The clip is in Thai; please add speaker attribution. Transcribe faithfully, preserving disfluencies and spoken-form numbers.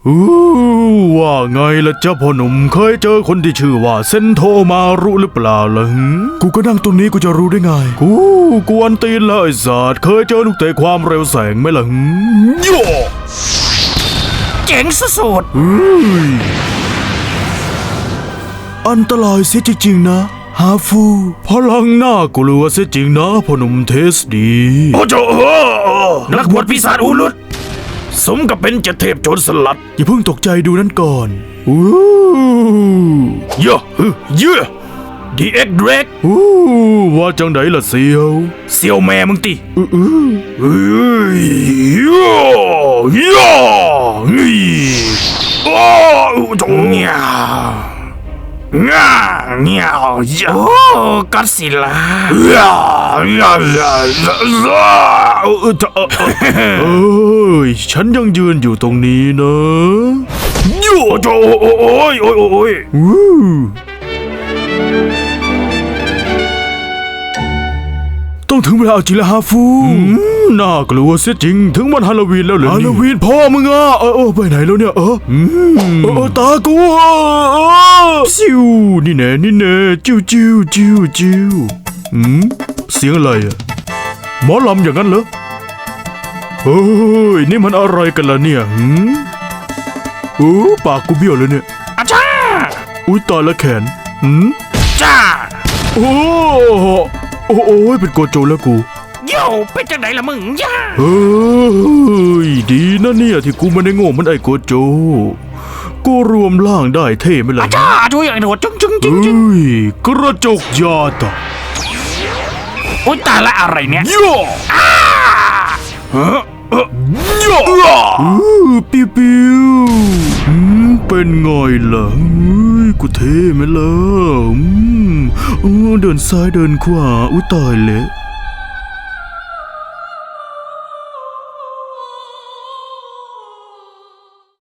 Speaker 1: อู้ว่าไงล่ะเจ้าพ่อหนุ่มเคยเจอคนที่ชื่อว่าเซนโทมารุหรือเปล่าล่ะกูก็นั่งตรงนี้กูจะรู้ได้ไงกูกวนตีนเลยสัตว์เคยเจอลูกเตะความเร็วแสงไหมล่ะโย่
Speaker 2: เจ๋งสุด
Speaker 1: อันตรายเสียจริงๆนะฮาฟูพลังน่ากลัวเสียจริงนะพ่อหนุ่มเทสดีโอ้โจ
Speaker 2: นักบวชปีศาจอูรุตสมกับเป็นเจ็ดเทพโจรสลัด
Speaker 1: อย่าเพิ่งตกใจดูนั่นก่อนอู้
Speaker 2: เยอะเยอะดีเอ็กเดรก
Speaker 1: อู้ว่าจังไดล่ะเซียว
Speaker 2: เซียวแม่มึงติ
Speaker 1: อืออือ
Speaker 2: เอ้ยย่อย่อนี่โอ้จงเงียง่าเงียวโอ้กัดสิลาย่าย่าย่าย่า
Speaker 1: เออเอ้ยฉันยังยืนอยู่ตรงนี้นะ
Speaker 2: โย่โอ้โอ้ยโอ้ยโอ้ย
Speaker 1: วู้ต้องถึงเวลาจริงแล้วฮาฟูน่ากลัวเสียจริงถึงวันฮาโลวีนแล้วเหรอฮาโลวีนพ่อมึงอ่ะเออไปไหนแล้วเนี่ยเออเออตากูซิวนี่แน่นี่แน่จิ้วจิ้วจิ้วจิ้วอืมเสียงอะไรอ่ะหมอลำอย่างนั้นเหรอเฮ้ยนี่มันอะไรกันล่ะเนี่ยหืมโอ้ปากกูเบี้ยวเลยเนี่ย
Speaker 2: อาจ้า
Speaker 1: อุ้ยตายละแขนหืม
Speaker 2: จ้า
Speaker 1: โอ้โอ้โอ้ยเป็นโกโจแล้วกู
Speaker 2: โย่เป็นจังไหนล่ะมึงย่า
Speaker 1: เฮ้ยดีนะเนี่ยที่กูไม่ได้โง่มันไอ้โกโจกูรวมร่างได้เท่ไหมล่ะ
Speaker 2: จ้าช่วยอย่างหนวดจึงจึงจึงจึง
Speaker 1: เฮ้ยกระจกยาตา
Speaker 2: อุ้ยตายละอะไรเนี่ย
Speaker 1: โย่
Speaker 2: อ้า
Speaker 1: ฮะโย่ปิ้วปิ้วเป็นไงล่ะกูเท่ไหมล่ะเดินซ้ายเดินขวาอุ้ยตายเลย